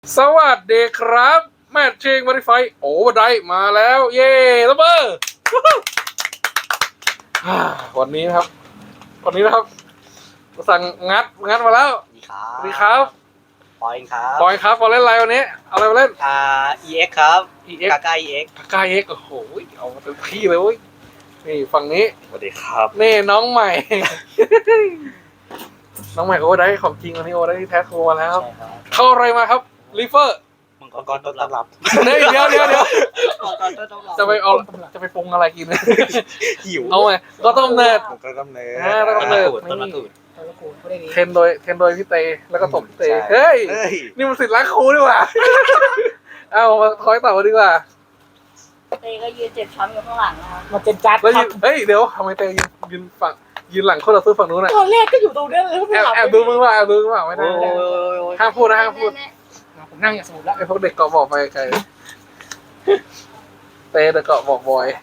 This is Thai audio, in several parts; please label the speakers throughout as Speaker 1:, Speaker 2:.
Speaker 1: สวัสดีครับแมทชิงมาริไฟโอเวอร์ไดมาแล้วเย่ระเบิดวันนี้นะครับสั่งงัดมาแล้วสวัสดีครับ
Speaker 2: ปอยครับ
Speaker 1: บอยครับมาเล่นอะไรวันนี้เอาอะไรมาเล่น
Speaker 2: EX ครับ
Speaker 1: EX
Speaker 2: กาก้า EX
Speaker 1: กาเอ็กโอ้โหเอามาเต็มที่เลยเว้ยนี่ฝั่งนี้
Speaker 2: สวัสดีครับ
Speaker 1: นี่น้องใหม่ น้องใหม่โอเวอร์ไดของจริงวันนี้โอเวอร์ไดที่แท้ทรูมาแล้ว
Speaker 2: ใช่ครับ
Speaker 1: เข้าอะไรมาครับลิเฟอร์
Speaker 2: มังกรต้นตำรับ
Speaker 1: เดี๋ยว
Speaker 2: มังกรต้นตำรับ
Speaker 1: จะไปปรุงอะไรกิน
Speaker 2: หิว
Speaker 1: เอาไงก็ต้มเนิร์ด
Speaker 2: มังกรต้มเนื้อ
Speaker 1: ต้นมะกรูด
Speaker 2: ต้นมะกรูด
Speaker 1: เทรนโดยพี่เตแล้วก็ตบพี่เต
Speaker 2: ใช่
Speaker 1: เฮ้ย
Speaker 2: เฮ้ย
Speaker 1: นี่มันสิทธิ์รักครูดีกว่า เอามาคอยต่อมาดีกว่า
Speaker 3: เตก็ยืนเจ็บช้ำอยู่ข้างหลังนะครับ
Speaker 4: มาเจ็ดจัด
Speaker 1: แล้วเฮ้ยเดี๋ยวทำไมเตยืนหลังคนเราซื้อฝั่งนู้นน่ะ
Speaker 4: ตอนแรกก็อยู่ตรงนั้นเลย
Speaker 1: แอบดูมึงว่าไม่ได้
Speaker 2: โอ้ย
Speaker 1: ห้ามพูดนะห้ามพูด
Speaker 4: ผมนั่งอย่างสงบแล้ว
Speaker 1: ไอ้พวกเด็กเกาะบอกไปไกลเตเด็กเกาะบอกบอย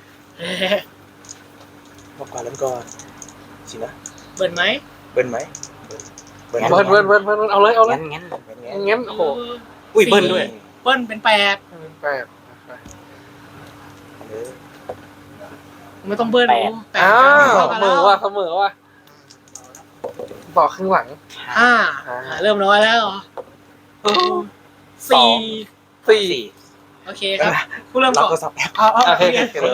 Speaker 2: มังกรแล้วก่อนสินะ
Speaker 4: เบิร์นไหม
Speaker 2: เบิ้ลไหม
Speaker 1: เบิ้ลเอาเลย
Speaker 2: งั้น
Speaker 1: งั้นโอ้โห
Speaker 2: อุ้ยเบิ้ลด้วย
Speaker 4: เบิ้ลเป็นแปด
Speaker 1: แปด
Speaker 4: ไม่ต้องเบิ้ล
Speaker 1: อ้าวเสมอว่ะต่อครึ่งหลัง
Speaker 4: ห้าเริ่มน้อยแล้วสี่
Speaker 1: สี่
Speaker 4: โอเคครับผู้เริ่ม
Speaker 2: เรา
Speaker 4: ก่อน
Speaker 2: ก็สับแอป
Speaker 1: โอเค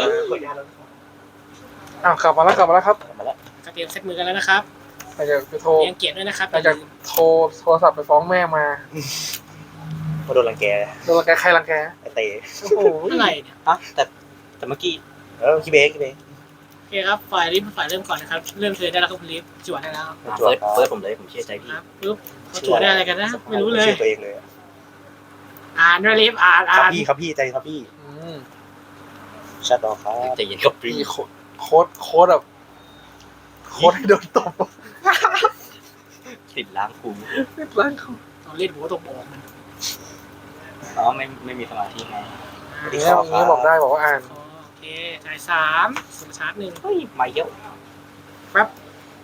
Speaker 1: อ้าวกลับมาแล้วครับ
Speaker 2: มาแล้ว
Speaker 4: จะเตรียมเซตมือกันแล้วนะครับ
Speaker 1: อาจจะไปโทร
Speaker 4: เตรียมเกียรติด้วยนะครับ
Speaker 1: อาจจะโทรศัพท์ไปฟ้องแม่มา
Speaker 2: มาโดนรังแก
Speaker 1: โดนรังแกใครรังแก
Speaker 2: ไอเตะ
Speaker 1: โอ้โห
Speaker 4: อะไรเนี่ย
Speaker 2: แต่เมื่อกี้คิเบก
Speaker 4: โอเคครับฝ่ายริฟฝ่ายเริ่มก่อนนะครับเริ่มเธอได้แล้วครับคุณริฟจวดได้แล้ว
Speaker 2: เฟิร์สผมเลยผมเชื่อใจพี่
Speaker 4: ครับปุ๊บเขาจวดได้อะไรกันนะไม่รู้เลย
Speaker 2: ชื่อตัวเองเลย
Speaker 4: อ่านด้วยริฟอ่าน
Speaker 2: ครับพี่ใจครับพี่
Speaker 1: อืม
Speaker 2: ชัดดอกครับใจเย็นครับพี่
Speaker 1: มีโค้ดแบบโค้ดให้โดนตบ
Speaker 2: ติดล้างคู
Speaker 1: นิดล้างเขา
Speaker 4: ตอนเล่นหัวตกบอกมัน
Speaker 2: อ๋อไม่มีสมาธิไง
Speaker 1: อย่างเงี้ยบอกได้บอกว่าอ่าน
Speaker 4: โอเคจ่ายสามสุดชาร์จหนึ่ง
Speaker 2: เฮ้ยมาเยอะ
Speaker 4: แป๊บ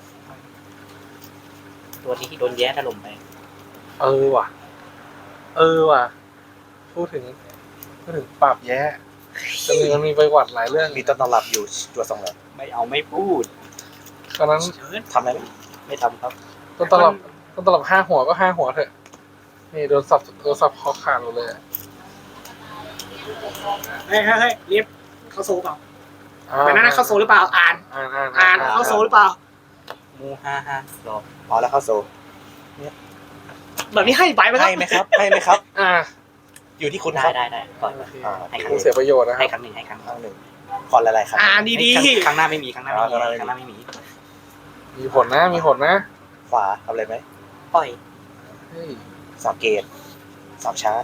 Speaker 2: ตัวที่โดนแย่ถล่มไป
Speaker 1: เออว่ะพูดถึงปราบแย่มันมีไปหวัดหลายเรื่อง
Speaker 2: มีต้นตำรับอยู่ตัวสองแล้วไม่พูด
Speaker 1: ตอนนั้น
Speaker 4: เชิญ
Speaker 2: ทำอะไรไม่ทำครับ
Speaker 1: ต้นตลับ5 หัวก็5 หัวเถอะนี่โดนสับคอขาดหมดเลย
Speaker 4: เฮ้ยเรียบเข้าโซ่เปล่าเป็นนั่นเข้าโซ่หรือเปล่าอ่านเข้าโซ่หรือเปล่า
Speaker 2: มูรอพอแล้วเข้าโซ
Speaker 4: แบบนี้ให้ไปไหมครับ
Speaker 2: ให้ไหมครับ อยู่ที่คุณครับ
Speaker 5: ได้ก่อน
Speaker 1: โอเค
Speaker 2: ให้ครั้
Speaker 1: กู
Speaker 2: ง
Speaker 1: เสียประโยชน์นะค
Speaker 5: ให้
Speaker 1: รับ
Speaker 5: ครั้งหนึ่ง
Speaker 2: ครั้งหนึ่งขอหลายๆครั้ง
Speaker 4: อ่านดี
Speaker 5: ครั้งหน้าไม่มีครั้งหน้าไม่มี
Speaker 1: มีผลนะ
Speaker 2: ขวาทำอะไรไหม
Speaker 5: ปล่อย
Speaker 1: เฮ้ย
Speaker 2: 3 เกต3 ชาร์จ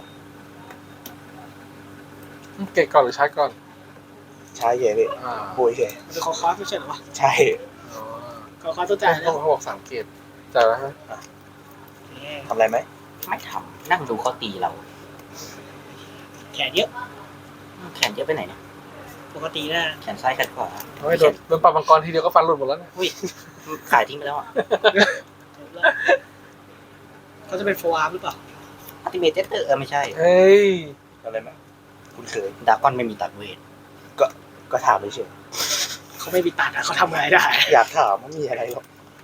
Speaker 1: เกตก่อนหรือชาร์จก่อน
Speaker 2: ชาร์จเย่เลย
Speaker 1: ปุ
Speaker 2: ปุยเย่
Speaker 4: ๆจะขอคอร์สไม่ใช่เหรอวะ
Speaker 2: ใช่
Speaker 4: ขอคอร์สตัวจ่ายแล้ว
Speaker 1: เขาบอก3 เกตจ่ายแล้วฮะ
Speaker 2: ทำอะไรไหม
Speaker 5: ไม่ทำนั่งดูเขาตีเรา
Speaker 4: แขนเยอะ
Speaker 5: แขนเยอะไปไหนเนี่ย
Speaker 4: ปกตินะ
Speaker 5: แขนซ้ายแขนขวา
Speaker 1: โดนปรับมังกรทีเดียวก็ฟันหลุดหมดแล้วเนี่ย
Speaker 5: อุ้ยขายทิ้งไปแล้วอ่ะ
Speaker 4: เขาจะเป็นโฟอาร์หรือเปล่า
Speaker 5: อัติเมตเตอร์ไม่ใช่
Speaker 1: เฮ้ย
Speaker 2: ทำอะไรไหมคุณเคย
Speaker 5: ดากอนไม่มีตัดเวท
Speaker 2: ก็ถามไม่เฉย
Speaker 4: เขาไม่มีตัดเขาทำอะไรได้
Speaker 2: อยากถามว่ามีอะไรหรอก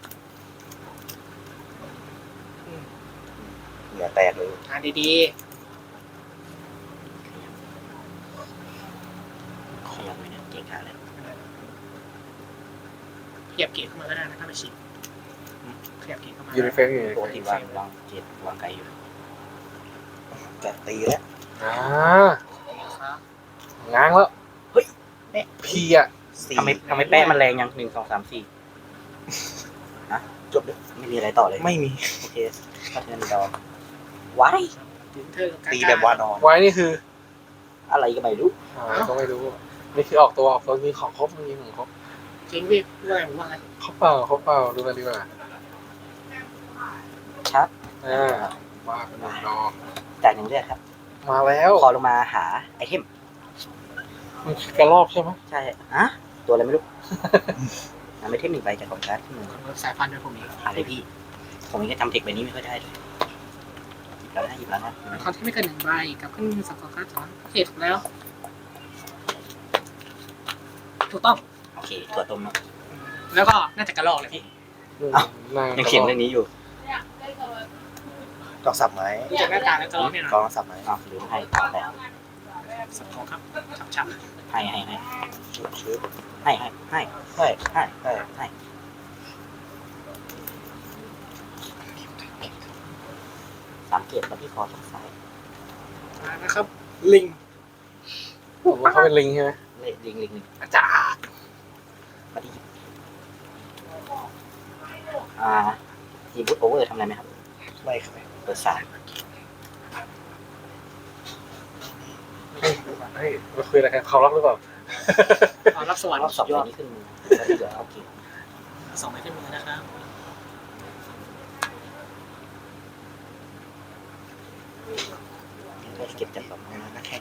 Speaker 2: อย่าแตกเลย
Speaker 4: อ่านดี
Speaker 5: ขยับไปเนี่ยเก่งขาเลย
Speaker 4: ๆขยับเกียร์เข้ามาก็ได้นะถ้าไม่ชินขยับเกียร์เข้ามา
Speaker 1: อยู่ในเฟซอยู่ใน
Speaker 5: ปก
Speaker 1: เฟ
Speaker 5: ติ
Speaker 1: ซ
Speaker 5: วางเจ็ดวางไกลอยู่
Speaker 2: แกะตีแล้ว
Speaker 4: ครับ
Speaker 1: ง้างแล้วพีอ่ะ
Speaker 2: 4
Speaker 5: ทำไมแป้มันแรงยัง1 2 3 4
Speaker 2: จบเลย
Speaker 5: ไม่มีอะไรต่อเลย
Speaker 2: ไม่มี
Speaker 5: โอเคก็เทิร์นดอว้าย
Speaker 4: ถึงเธอกับการ
Speaker 2: ตีแบบวานอน
Speaker 1: ไว้นี่คือ
Speaker 5: อะไรก็ไม่รู้
Speaker 1: ก็ไม่รู้นี่คือออกตัวมีของครบมีของครบ
Speaker 4: จริงพี่ว่าไงผมว่าไง
Speaker 1: เขาเปล่าดูกันดีกว่า
Speaker 5: ชัด
Speaker 1: ว่าเป็นหนึ่งดอก
Speaker 5: จ่าย1 เลือดครับ
Speaker 1: มาแล้ว
Speaker 5: คอลงมาหาไอเทม
Speaker 1: มันกระรอกใช่ไหม
Speaker 5: ใช่อะตัวอะไรไม่รู้ นำไอเทม1 ใบจากกองการ์ดที่มือ
Speaker 4: สายพันธุ์ด้วยผมเอง
Speaker 5: อะไรพี่ ผมยังจำเทคใบนี้ไม่ค่อยได้เลยหยิบแล้วนะ
Speaker 4: คอนที่ไม่เกิน1 ใบกับขึ้นมือ2 2 3 2โอเคถูกแล้วถูกต้อง
Speaker 5: โอเคถั่วต้มเนาะ
Speaker 4: แล้วก็น่าจะกระลอกเลยพี่
Speaker 5: ยังเขียนเรื่องนี้อยู่
Speaker 2: กองสับไหม
Speaker 4: ดูจากหน้าตาแล้วกระลอกเนี่ยนะ
Speaker 2: กองสับไหม
Speaker 5: อ้าวลืมให้แต่
Speaker 4: สับทองครับฉับ
Speaker 5: ให้
Speaker 2: ชื้อ
Speaker 5: ให้
Speaker 2: ให้ให้
Speaker 5: 3 เกตมาที่คอทางซ้าย
Speaker 4: ๆนะครับลิง
Speaker 1: ผมว่าเขาเป็นลิงใช่ไหม
Speaker 5: ลิง
Speaker 4: อาจารย์
Speaker 5: มาที่ทีบูทโอเวอร์ทำอะไรไหมครับ
Speaker 2: ไม่ครับ
Speaker 5: เปิดสาม
Speaker 1: เฮ้ยมาคุยอะไรกันเขารักหรือเปล่า
Speaker 4: รับสวรรค์
Speaker 5: รอบ
Speaker 4: สุด
Speaker 5: 2
Speaker 4: ย
Speaker 5: ใบ
Speaker 4: อด
Speaker 5: นี้ขึ้นมือแล้วที่เหลือเอาเกต
Speaker 4: 2 ใบขึ้นมือนะครับ
Speaker 5: เก็บจาก2
Speaker 2: นักแข่ง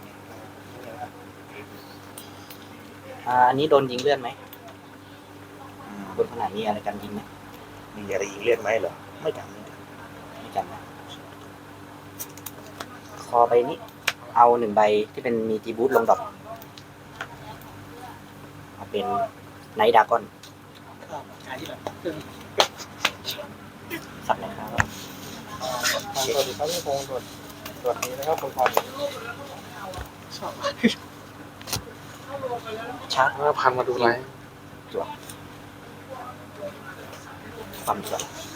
Speaker 5: อันนี้โดนยิงเลื่อนไหมบนขนาดนี้อะไรกันยิงไหม
Speaker 2: มีอะไรยิงเลือดไหมเหรอไม่จำ
Speaker 5: ไม่จำนะคอใบนี้ เอา1 ใบที่เป็นมีทีบูทลงดอกเอาเป็นไนท์ดากอน
Speaker 4: ก็การที่แบบ
Speaker 5: สับเลยครับ
Speaker 1: สวัสดีครับพี่พงศ์สวัสดีนะครับคุณพร
Speaker 4: ชอบ
Speaker 5: ชาร์จ
Speaker 1: พันมาดูไลฟ์
Speaker 5: ความสวย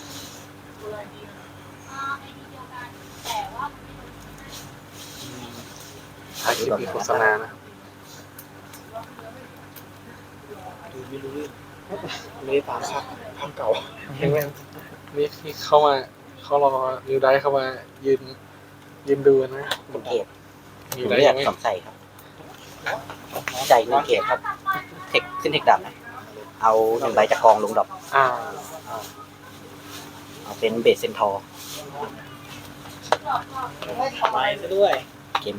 Speaker 1: ถ่ายคลิปมีโฆษณานะ
Speaker 2: ดูไม่รู้เรื่อง
Speaker 1: ไม่ได้ตามภาพเก่าเห็นไหมนี่ที่เข้ามาเขารอนิวไดเข้ามายืนดูนะ
Speaker 5: เป็นเกต
Speaker 1: นิวได
Speaker 5: เลือ
Speaker 1: ยั
Speaker 5: ด
Speaker 1: งไม่
Speaker 5: 2 ใส่ครับใจ1 เกตครับเทคขึ้นเทคดำนะเอา1 ใบจากกองลงดอก
Speaker 1: อ่า
Speaker 5: เอาเป็นเบสเซนทอร์
Speaker 4: ไปซะด้วย
Speaker 5: เกมใบ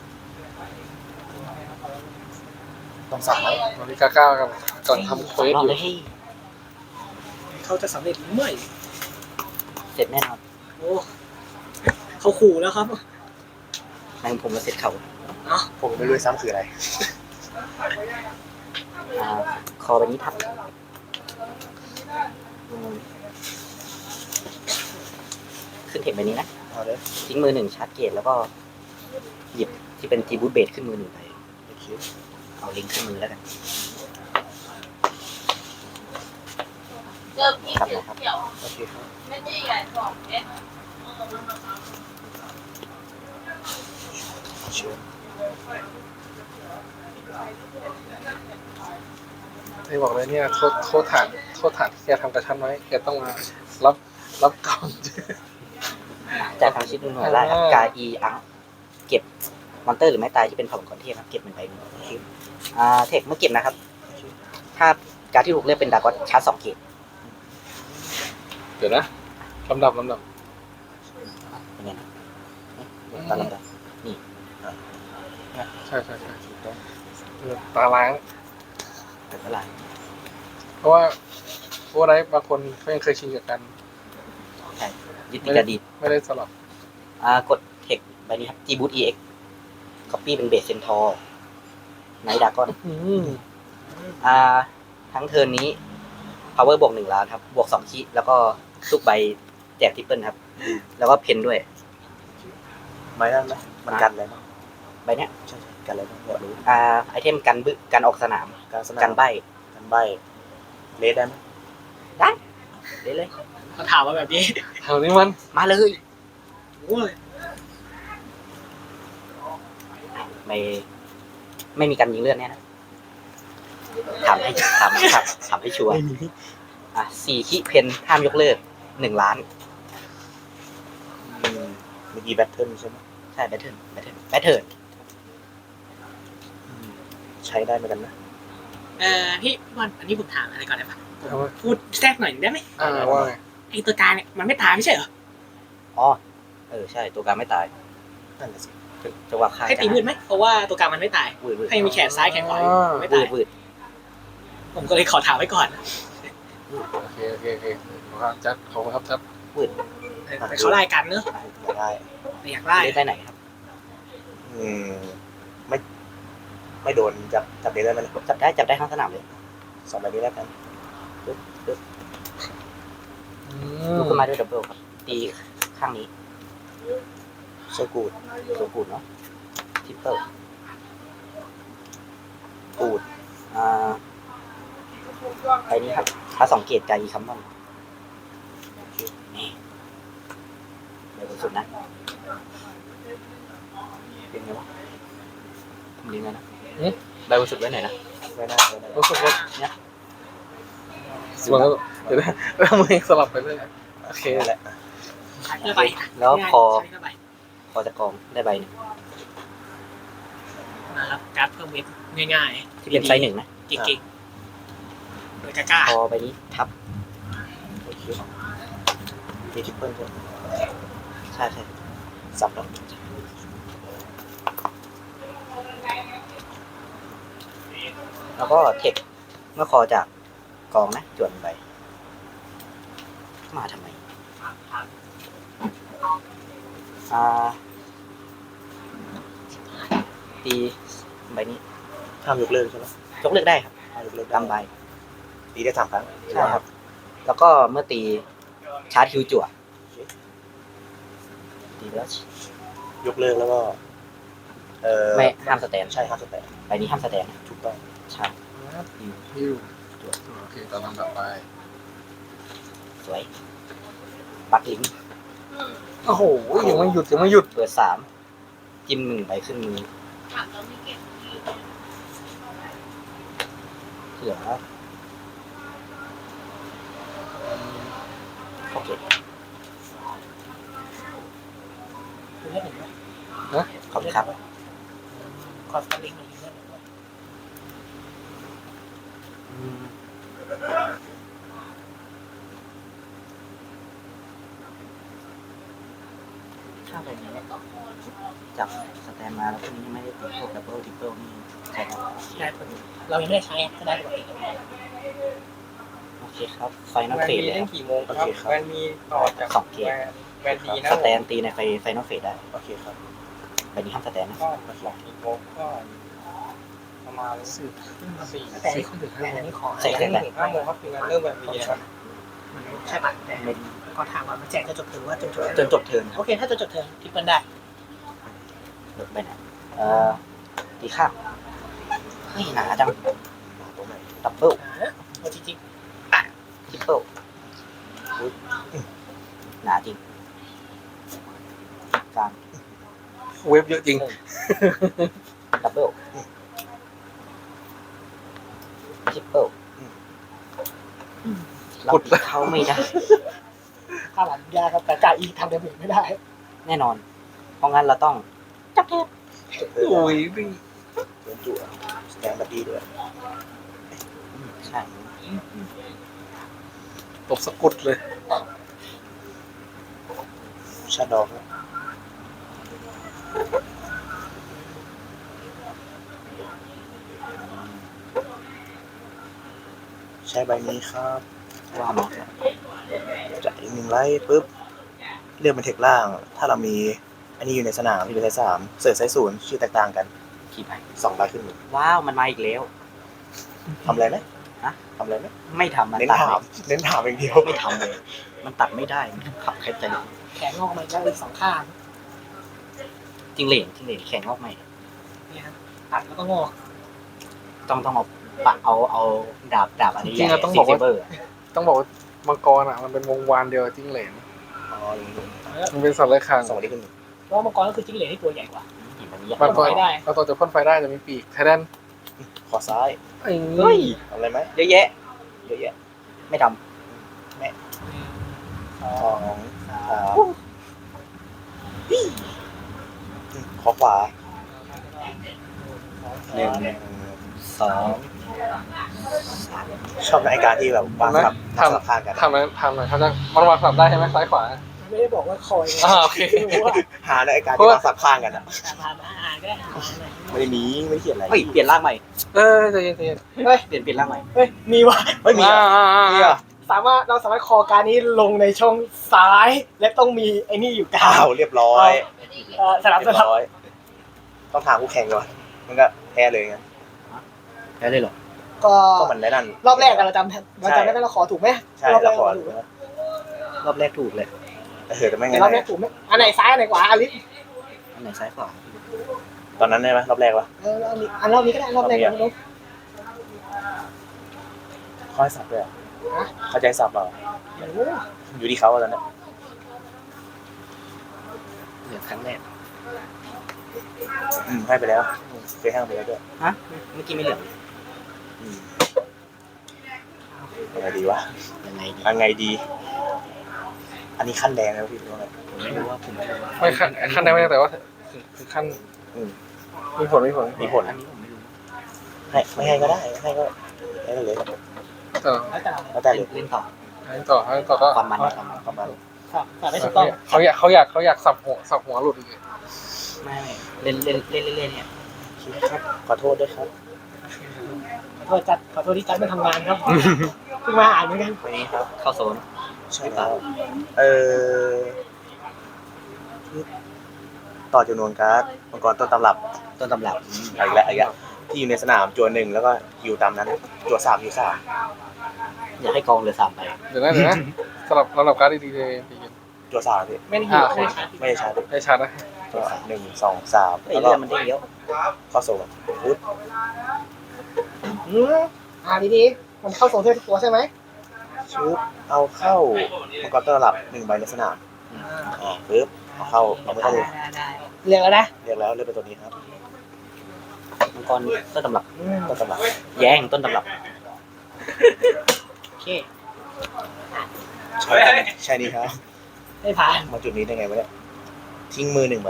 Speaker 2: กองสับไหม
Speaker 1: นาฬิกาก้าวกันก่อนทำเควส
Speaker 5: รอบ
Speaker 1: อยู่
Speaker 5: เลยให้
Speaker 4: เขาจะสำเร็จหรือไม่
Speaker 5: เสร็จแน่นอน
Speaker 4: โอ้เขาขู่แล้วครับ
Speaker 5: ในผมมาเสร็จเขา
Speaker 2: ผมไม่รู้ซ้ำคืออะไร
Speaker 5: คอใบนี้ทับขึ้นเทคใบนี้นะ
Speaker 2: เอาเลย
Speaker 5: ทิ้งมือ1ชาร์จเกตแล้วก็หยิบที่เป็นทีบูทเบสขึ้นมือ1ไป
Speaker 2: โอเค
Speaker 5: เอาลิงก์ขึ้นมือแล้วกัน
Speaker 3: เริ่มที่เขียว
Speaker 2: โอเคครับ
Speaker 3: ไม่ใช่ใหญ่2 เมตร
Speaker 2: เชิญ
Speaker 1: ที่บอกเลยเนี่ยโทษฐานที่แกทำกับฉันไว้แกต้องมารับกรรม
Speaker 5: จากทางชิดหน่วยไล่ครับกาอีอังเก็บมอนเตอร์หรือไม่ตายที่เป็นผลก่อนเทพครับเก็บ1 ใบเทคเมื่อเก็บนะครับ ถ้าการดที่ถูกเลือกเป็นดากอนชาร์จ2 เกต
Speaker 1: เดี๋ยวนะลำดับ
Speaker 5: เป็นไงนะตอนลำดับ
Speaker 1: ใช่ตาล้าง
Speaker 5: เป็นเวลา
Speaker 1: เพราะว่าผู้ไรบางคนเขายังเคยชินกับกัน
Speaker 5: ใช่ยึดติดการดี
Speaker 1: ไม่ได้สลับ
Speaker 5: กดเทคใบนี้ครับ G Boot EX Copy เป็นเบสเซนทอร์ไนท์ดากอนทั้งเทิร์นนี้ power บวก1 ล้านครับ บวก2 คีแล้วก็ทุกใบแจกทริปเปิลครับ แล้วก็เพนด้วย
Speaker 2: ไม้นั่นไหมมันกันอะไรบ้าง
Speaker 5: ใบเนี้ย
Speaker 2: ใช่กันอะไรบ้างอยากรู้
Speaker 5: ไอเทมกันออกสนาม
Speaker 2: การสนาม
Speaker 5: กันใบ
Speaker 2: กันใบเลสได้ไหม
Speaker 5: ได้เลย
Speaker 4: เขาถามมาแบบนี้
Speaker 1: แถวนี้มัน
Speaker 5: มาเลย
Speaker 4: โอ้ย
Speaker 5: ไม่มีการยิงเลือดแน่นะถามให้ชัวร์4 คีเพนห้ามยกเลิก1 ล้าน
Speaker 2: เมื่อกี้แบทเทิลใช่ไหม
Speaker 5: ใช่แบทเทิล
Speaker 2: ใช้ได้เหมือนกันนะ
Speaker 4: พี่บอลอันนี้ผมถามอะไรก่อนได้ปะผมพูดแทรกหน่อยได้ไหม
Speaker 1: ว่าไง
Speaker 4: ไอตัวการเนี่ยมันไม่ตายไม่ใช่เหรอ
Speaker 5: อ๋อใช่ตัวการไม่ตาย
Speaker 2: นั่นแหละสิ
Speaker 5: จะว่าค่า
Speaker 4: ให้ตีมืดไหมเพราะว่าตัวการมันไม่ตาย
Speaker 5: วืด
Speaker 4: ให้มีแขนซ้ายแขนขวาอยู่ไม่ตาย
Speaker 5: วืด
Speaker 4: ผมก็เลยขอถามไว้ก่อน
Speaker 1: โอเคขอบคุณครับจัด
Speaker 5: วืด
Speaker 4: แต่เขาไล่กันเนอะ
Speaker 2: อยากได้
Speaker 4: แต่อยากได้
Speaker 5: เลสได้ไหนครับ
Speaker 2: อืมไม่โดนจับเดนได้ไหม
Speaker 5: จับได้ข้างสนามเลย
Speaker 2: 2ใบนี้แล้วกัน
Speaker 5: ลุกขึ้นมาด้วยดับเบิลครับตีข้างนี้
Speaker 2: โซกูด
Speaker 5: ตัวกูดเนาะทริปเปิล
Speaker 2: กูด
Speaker 5: ไปนี้ครับถ้า2 เกตกาอีคัมมอนนี่เดี๋ยวสุดนะเป็นไงวะผมเลี้ยงไงนะได้รู้สึกไว้ไหนนะ
Speaker 2: ไม่ได้ไม่ได้
Speaker 1: รู้สึกว่า
Speaker 5: เนี่ย
Speaker 1: ส่วนแล้วเดี๋ยวนะแล้วมือสลับไปเลยโอเค
Speaker 2: นั่นแหละ
Speaker 4: ใช้เพื่อใบ
Speaker 5: แล้วพอ
Speaker 4: ใช้เพื่อใบ
Speaker 5: พอจะกองได้ใบหนึ่ง
Speaker 4: นะครับการ์ดเพิ่มเวฟง่าย
Speaker 5: ที่เป็นไซส์ 1นะ
Speaker 4: ๆเก่งๆโดยกล้า
Speaker 5: พอใบนี้ทับ
Speaker 2: โอเคมีทริปเปิลใช่ไหม
Speaker 5: ใช่
Speaker 2: สับแล้ว
Speaker 5: แล้วก็เทคเมื่อคอจากกองนะจวนใบมาทำไมตีใบนี้
Speaker 2: ห้ามยกเลิกใช่ไหม
Speaker 5: ยกเลิกได้ครับ
Speaker 2: ห้ามยกเลิก
Speaker 5: กำใบ
Speaker 2: ตีได้3 ครั้ง
Speaker 5: ใช่ครับ แล้วก็เมื่อตีชาร์จคิวจั่วตีแล้ว
Speaker 2: ยกเลิกแล้วก็
Speaker 5: ไม่ห้ามสแตน
Speaker 2: ใช่ห้ามสแตน
Speaker 5: ใบนี้ห้ามสแตนนะ
Speaker 2: ถูกต้อง
Speaker 5: ใช่
Speaker 1: ฮิวโอเคตอนลำดับไป
Speaker 5: สวยปักลิงก์
Speaker 1: โอ้โหยังไม่หยุด
Speaker 5: เปิด3จิ้ม1ใบขึ้นมือ
Speaker 3: ถามเราไม่เก็บที่
Speaker 5: เหลือโอเค
Speaker 4: คุณเล่นหนึ่งไหม
Speaker 5: ขอบคุณครับ
Speaker 4: คอสลิงหนึ่งเล่นหนึ่ง
Speaker 5: ถ้าใบนี้จับสแตนมาแล้วพวกนี้ไม่ได้ติดพวกดับเบิลทริปเปิลนี่ใช่ครับ
Speaker 4: ได้ผลเรายังไม่ได้ใช้ก็ได้ปกติ
Speaker 5: โอเคครับไฟนอลเฟสเลยครับ
Speaker 6: กี่โมงครับมันมีต่อจาก
Speaker 5: 2 เกต
Speaker 6: แวนดีนะ
Speaker 5: สแตนตีในไฟนอลเฟสได้
Speaker 2: โอเคครับ
Speaker 5: ใบนี้ห้ามสแตนนะ
Speaker 6: ก็2 กี่โมงก็ประมาณ 4
Speaker 4: แต่แต่อันนี้ขอ
Speaker 5: ใช่
Speaker 6: 5 โมงครับถึงงานเริ่มแวนดีนะครับ
Speaker 4: ใช่ป่ะแต่ก็ถามว่ามันแจกจะจบเทิร์นว่าจนจบ
Speaker 5: จนจบเทิร์นค
Speaker 4: โอ
Speaker 5: รับ
Speaker 4: เคถ้าจนจบเทิร์นทิปเปิลได้
Speaker 5: ลดไปไหนตีข้างเฮ้ยหนาจัง
Speaker 2: ตรงไหน
Speaker 5: ดับเบิล
Speaker 4: ว่าจริง
Speaker 5: ทริปเปิลหนาจริงกลาง
Speaker 1: เว็บเยอะจริง
Speaker 5: ดับเบิลทริปเปิลเราตีเขาไม่ได้
Speaker 4: ๆถ้าหลังยากครับแต่จ่ายอีกทำเดเมจไม่ได้
Speaker 5: แน่นอน เพราะงั้นเราต้องจับเทป
Speaker 1: โอ้ย
Speaker 2: โดนจั่วสแตนบัดดี้ด้วย
Speaker 5: ใช่
Speaker 1: ตบสะกุดเลย
Speaker 2: ชาดอกนะใช้ใบนี้ครับ
Speaker 5: ว่ามาครับ
Speaker 2: จ่ายอีก1 ไลท์ปุ๊บเลือกเป็นเทคล่าง ถ้าเรามีอันนี้อยู่ในสนามที่เป็นไซส์3เสิร์ชไซส์0ชื่อแตกต่างกัน
Speaker 5: กี่ใบ
Speaker 2: 2 ใบขึ้นมือ
Speaker 5: ว้าวมันมาอีกแล้ว
Speaker 2: ทำอะไรไหม
Speaker 5: ฮะ
Speaker 2: ทำอะไรไหม
Speaker 5: ไม่ทำมัน
Speaker 2: เน้น
Speaker 5: ตัด
Speaker 2: ถามเน้นถามอย่างเดียว
Speaker 5: ไม่ทำเลย มันตัดไม่ได้มันขับแค่ใจ
Speaker 4: แขนงอกมาอีก2 ข้าง
Speaker 5: จริงเหลนแข็งออกใหม่
Speaker 4: เนี่ยครับตัดแล้วก็งอก
Speaker 5: ต้องเอาปะเอาดาบอันนี้
Speaker 1: จริงๆอะต้องบอกว่า
Speaker 5: เบอร์
Speaker 1: ต้องบอกว่ามังกรอ่ะมันเป็นวงวานเดียวจิ้งเหลน
Speaker 2: อ๋ออย่างนี้
Speaker 1: มันเป็นสัตว์เลื้อยคลาน
Speaker 2: 2 ใบขึ้นมือ
Speaker 4: เพราะว่ามังกรก็คือจิ้งเหลนที่ตัวใหญ่กว่า
Speaker 5: มันนี้
Speaker 1: มันก็
Speaker 4: พ่นไฟได้
Speaker 1: เราตัวจะพ่นไฟได้จะมีปีกไทแดน
Speaker 2: ขอซ้าย
Speaker 1: ไอ้
Speaker 5: เฮ้ย
Speaker 2: ทำอะไรไหม
Speaker 5: เยอะแยะ
Speaker 2: เยอะแยะ
Speaker 5: ไม่ท
Speaker 2: 2 3ขอขวา
Speaker 5: ำ1 2
Speaker 2: ชอบในการที่แบบวางสลับข้างกัน
Speaker 1: ทำอะไรเขาจะมันวางสลับได้ใช่ไหมซ้ายขวา
Speaker 4: มันไม่ได้บอกว่าคอย
Speaker 1: โอเค
Speaker 4: ไม่รู้ว่า
Speaker 2: หาในการที่วางสลับข้างกันอ่ะ
Speaker 4: มาอ่านก็ได้
Speaker 2: ไม่ได้มีไม่ได้เขียนอะไร
Speaker 5: เฮ้ยเปลี่ยนร่างใหม่
Speaker 1: ใจเย็น
Speaker 5: เปลี่ยนร่างใหม่
Speaker 4: เฮ้ยมีว่ะ
Speaker 2: ไม่มีอ่ะ
Speaker 1: มี
Speaker 2: มีอ่ะ
Speaker 4: 3 เราสามารถคอการนี้ลงในช่องซ้าย และต้องมีไอ้นี่อยู่กลา
Speaker 2: อ้าง วเรียบร้อย
Speaker 4: สลับ
Speaker 2: เรียบร้อย ต้องถามคู่แข่งก่อนมันก็แพ้เลยไง
Speaker 5: แค่เลยเหรอ
Speaker 4: ก็
Speaker 2: ก็มันได้นั่น
Speaker 4: รอบแรกเราจำได้เราขอถูกไหม
Speaker 2: ใช่
Speaker 4: รอบแร
Speaker 2: เรา
Speaker 4: ก
Speaker 2: ขอ
Speaker 4: เราถูกไหม
Speaker 5: รอบแรกถูกเลย
Speaker 2: แต่ไม่ไง
Speaker 4: แต่รอบแรกถูกไหมอันไหนซ้ายอันไหนขวาอลิส
Speaker 5: อันไหนซ้ายขวา
Speaker 2: ตอนนั้นได้ไหมรอบแรกวะ
Speaker 4: รอบนี้ก็ได้รอบแรกเรา
Speaker 2: ค่อยสับเลยเหรอเข้าใจสับเหรออยู่ที่เขาตอนนั้น
Speaker 5: เหลือครั้งแรก
Speaker 2: ให้ไปแล้วเคยให้ไปแล้วด้วย
Speaker 5: ฮะเมื่อกี้ไม่เหลือ
Speaker 2: ยังไงดีวะ
Speaker 5: ยังไงดี
Speaker 2: ยังไงดี อันนี้ขั้นแดงแล้วพี่รู้ไหม
Speaker 5: ผมไม่รู้ว่าผมไม่รู้
Speaker 1: ไม่ขั้นได้ไม่ได้แต่ว่าถึงขั้นมีผล
Speaker 2: มีผล
Speaker 5: อันนี้ผมไม่รู้
Speaker 2: ให้ไม่ให้ก็ได้ให้ก็ให้เลย
Speaker 1: ต่อ
Speaker 2: แล้วแต่เลย
Speaker 5: เล่นต่อ
Speaker 1: ให้ต่อก็
Speaker 5: ความมัน
Speaker 2: ประมาณ
Speaker 4: แต่ไม่ถูกต้อง
Speaker 1: เขาอยากสับหัวหลุดอีก
Speaker 5: ไม่เล่นเนี่ย
Speaker 2: ครับขอโทษด้วยครับ
Speaker 4: ขอโทษที่จัดไม่ทำงานครับเพิ่งมาอ่านเหมือนกัน
Speaker 2: วันนี้ครับ
Speaker 5: เข้าโซน
Speaker 2: ใช่แล้วต่อจำนวนการ์ดมังกรต้นตำรับ
Speaker 5: ต้นตำรับ
Speaker 2: อีกแล้วที่อยู่ในสนามจวนหนึ่งแล้วก็อยู่ตามนั้นจวน3อยู่3
Speaker 5: อยากให้กองเหลือ3ใบ
Speaker 1: เดี๋ยวนะสำหรับการ์ดดีๆเลยพี่
Speaker 2: จวน3พี่
Speaker 4: ไม่ได้อยู่
Speaker 2: ไม่ได้ใช้
Speaker 1: ได้ชัดนะ
Speaker 2: ก็1 2 3
Speaker 5: ไอ้
Speaker 2: แล้วก็
Speaker 5: เรื่องมันได้เยอะ
Speaker 2: เข้าโซ่ปุ๊บ
Speaker 4: ดีๆมันเข้าโซนเทอร์ตัวใช่ไหม
Speaker 2: ชุบเอาเข้ามังกรต้นตำรับ1ใบในสนามปุ๊บเอาเข้าเราไม่ต้อง
Speaker 4: เรียกแล้วนะ
Speaker 2: เรียกแล้วเลือกเป็นตัวนี้ครับ
Speaker 5: มังกรต้นตำรับ
Speaker 2: ต้นตำรับ
Speaker 5: แย่งต้นตำรับ
Speaker 4: โอเค
Speaker 2: ใช่นี่ครับ
Speaker 4: ได้ผ่าน
Speaker 2: มาจุดนี้ได้ไงวะเนี่ยทิ้งมือ1ใบ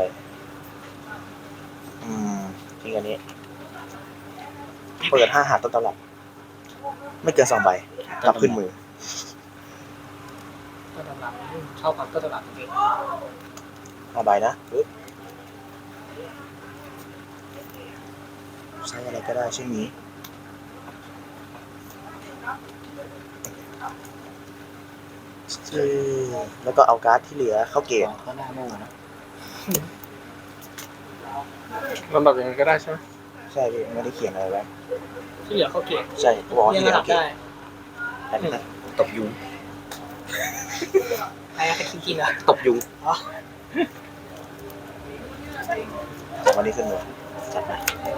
Speaker 2: ทิ้งอันนี้เปิด5หาต้นตำรับไม่เกิน2ใบกลับขึ้นมือ
Speaker 4: ต้นตำรับชอบความต้นตำรับจริง
Speaker 2: 5ใบนะปึ๊บใช้อะไรก็ได้เช่นนี้แล้วก็เอาการ์ดที่เหลือเข้าเกต
Speaker 5: ก็หน้าโม่นะ
Speaker 1: ลำดับอย่างนั้นก็ได้ใช่ไหม
Speaker 2: ใช่พี่ไม่ได้เขียนอะไรไว้
Speaker 4: ที่เหลือเขาเก็บ
Speaker 2: ใช่บอกว่า
Speaker 4: เรีย
Speaker 2: ที่
Speaker 4: ง
Speaker 2: เหลื
Speaker 4: ระ
Speaker 2: อ
Speaker 4: ดับ
Speaker 2: เอาเกต
Speaker 4: ได้
Speaker 5: ตบยุง
Speaker 4: ใครกินอ่ะ
Speaker 5: ตบยุง
Speaker 2: จากวันนี้ขึ้นมือ
Speaker 5: จัดไป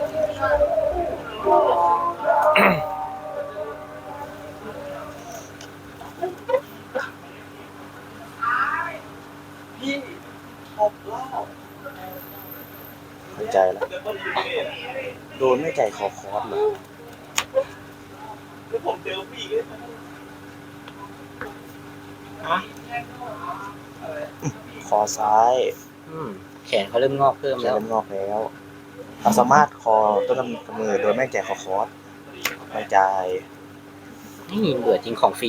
Speaker 2: หายใจแล้วโดนไม่ใจคอคอสเลยคอซ้าย
Speaker 5: แขนเขาเริ่มงอกเพิ่ม
Speaker 2: จะ
Speaker 5: แล้ว
Speaker 2: เริ่มงอกแล้วเราสามารถคอต้นกำเนิดโดยไม่ใจคอคอสไม่ใจ
Speaker 5: นี่เบื่อจริงของฟรี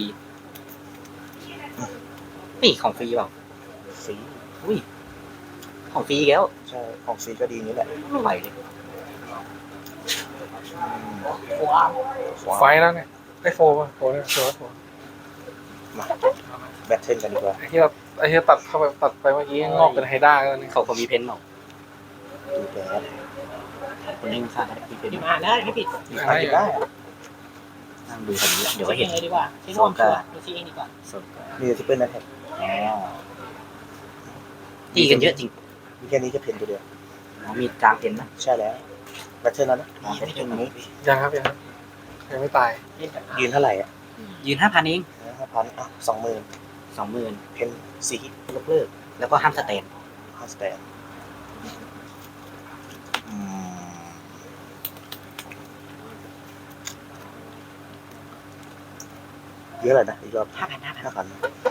Speaker 5: นี่ของฟรีเปล่า
Speaker 2: สี
Speaker 5: อุ้ยของฟรีอีกแล้ว
Speaker 2: ใช่ของสีก็ดีนี้แหละ
Speaker 5: ไม่ไหวเลย
Speaker 4: ว้าว
Speaker 1: ไฟแล้วเนี่ยได้โฟป่ะโฟเนี่ยโฟ
Speaker 2: มาแบทเทิลกันดีกว่า
Speaker 1: ไอ้ที่ตัดเข้าไปตัดไปเมื่อกี้งอกเป็นไฮด้าแล้วเนี่ย
Speaker 5: เขามีเพนเปล่า
Speaker 2: ดูแบท
Speaker 5: คนนี้ข้างๆมีเพน
Speaker 4: พิมพ์อ่านได้ไม่ผิด
Speaker 2: อ่านได้
Speaker 5: นั่งดูคนนี้เดี๋ยวก็เห็น
Speaker 4: เลยดีกว่าใช้ร่วมชัวร์ดูซีเองดีกว่า
Speaker 5: สด
Speaker 2: มีทิปเปิลนะแท็ก
Speaker 5: ตีกันเยอะจริง
Speaker 2: มีแค่นี้จะเพนตัวเดียว
Speaker 5: มีกลางเพนนะ
Speaker 2: ใช่แล้วแบทเทิลแล้วนะ
Speaker 5: แบทเทิลนี้
Speaker 1: ยังไม่ตาย
Speaker 2: ยืนเท่าไหร่อ่ะ
Speaker 5: ยืน 5,000 เอง
Speaker 2: 5,000อ่ะ20,000
Speaker 5: 20,000
Speaker 2: เพนสี
Speaker 5: ยกเลิกแล้วก็ห้ามสแตน
Speaker 2: 5 สแตนเยอะเลยนะอีกรอบ
Speaker 5: 5,000
Speaker 2: 5,000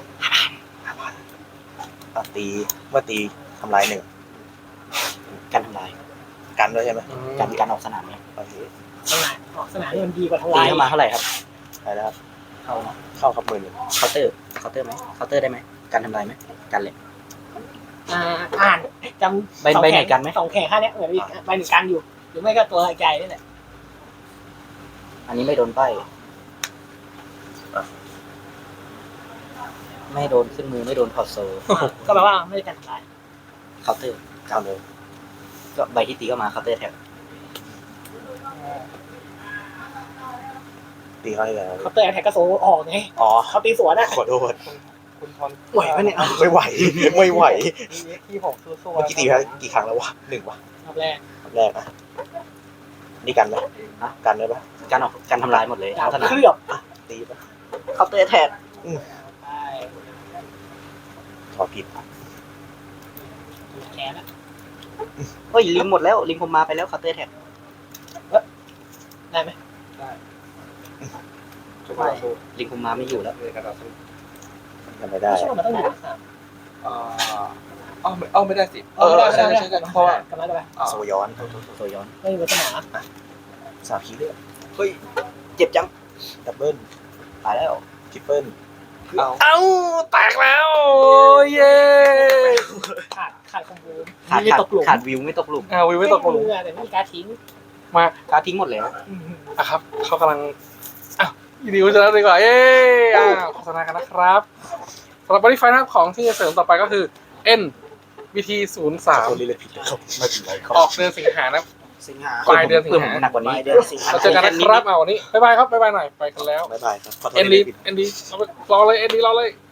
Speaker 2: ตีเมื่อตีทำลาย1
Speaker 5: กันทำลาย
Speaker 2: กันด้วยใช่ไหม
Speaker 5: กันออกสนามเนี่ย
Speaker 2: โอเค
Speaker 4: สนามออกสนามนี่มันดีกว่าท
Speaker 5: ตี
Speaker 4: ลาย
Speaker 5: เข้ามาเท่าไหร่ครับ
Speaker 2: ได้แล้วครับ
Speaker 5: เข้า
Speaker 2: เข้าครับมือหนึ่ง
Speaker 5: เคาน์เตอร์ไหมเคาน์เตอร์ได้ไหมกันทำลายไหมกันเลย
Speaker 4: อ่านจำ
Speaker 5: ใบไหนกันไหม
Speaker 4: สองแขนข้างนี้เหมือนใบหนึ่งกันอยู่ หรือไม่ก็ตัวใหญ่นี่แหละ
Speaker 5: อันนี้ไม่โดนป้ายไม่โดนขึ้นมือไม่โดนถอดโซ่
Speaker 4: ก็แปลว่าไม่ได้การทำลาย
Speaker 5: เคาน์เตอร์
Speaker 2: เอาเลย
Speaker 5: ก็ใบที่ตีก็มาเคาน์เตอร์แท็บ
Speaker 2: ตีเขาเลยแล้ว
Speaker 4: เขาเตะแท็กกระโซออกไง
Speaker 2: อ๋อ
Speaker 4: เขาตีสวนอะ
Speaker 2: ขอโทษ
Speaker 6: คุณทน
Speaker 5: ไหวปะเนี่ย
Speaker 2: ไม่ไหวไม่ไหว
Speaker 6: ที่ผมสู้
Speaker 2: เมื่อกี้ตีไปแล้วกี่ครั้งแล้ววะ1วะ
Speaker 4: รอบแรก
Speaker 2: รอบแรกนะนี่กันไหมกันได้ปะ
Speaker 5: การออกการทำลายหมดเลย
Speaker 4: ดาว
Speaker 5: ทั้งสนาม
Speaker 4: เคลือบ
Speaker 2: ตีปะ
Speaker 5: เคาน์เตอร์แท็บ
Speaker 4: ใช่
Speaker 2: ขอผิด
Speaker 4: แขนอะ
Speaker 5: เฮ้ยลิงหมดแล้วลิงผมมาไปแล้วเคาน์เตอร์แท็บ
Speaker 4: ได้ไหม
Speaker 6: ทุกคนสู้
Speaker 5: ลิงผมมาไม่อยู่แล้ว
Speaker 6: เลยกระดาษสู้
Speaker 2: ทำไม่ได้
Speaker 4: ไม่ใช่ว่ามันต้องอยู่ในสนาม
Speaker 6: ไม่ได้สิใช่เพราะว่าก
Speaker 4: ำลังจะไป
Speaker 2: โซย้อน
Speaker 5: โซย้อน
Speaker 4: ไม่อยู่ในสนาม
Speaker 2: 3 คีย์เลือด
Speaker 5: เฮ้ยเจ็บจัง
Speaker 2: ดับเบิล
Speaker 5: ตายแล้ว
Speaker 2: ทริปเปิล
Speaker 1: เอ้าแตกแล้วเย้
Speaker 4: ขาดคอมบู
Speaker 5: ขาด
Speaker 4: ไม่ตกหลุม
Speaker 5: ขาดวิวไม่ตกหลุม
Speaker 1: วิวไม่ตกหลุม
Speaker 4: แต่ไม่มีการทิ้ง
Speaker 1: มา
Speaker 5: การทิ้งหมดแล้ว
Speaker 1: อ่ะครับเขากำลังอ้าวยินดีจะแล้วดีกว่าเย้โฆษณากันนะครับสำหรับบริไฟนะครับของที่จะเสริมต่อไปก็คือ N BT
Speaker 2: สาม
Speaker 1: 03
Speaker 2: คนเลยผิดนะครับไม่เป็นไรครับ
Speaker 1: ออกเดือนสิงหานะ
Speaker 5: สิงหา
Speaker 1: ปลายเดือนสิงหา
Speaker 5: เพิ่มหนักกว่านี้
Speaker 1: เราเจอกันนะครับเอาวันนี้บ๊ายบายครับบ๊ายบายหน่อยไปกันแล้ว
Speaker 2: บ๊ายบายครับขอโทษ
Speaker 1: เอ็น
Speaker 2: ที่
Speaker 1: ดี
Speaker 2: ผิด
Speaker 1: เอ็นดีรอเลยเอ็นดีรอเลย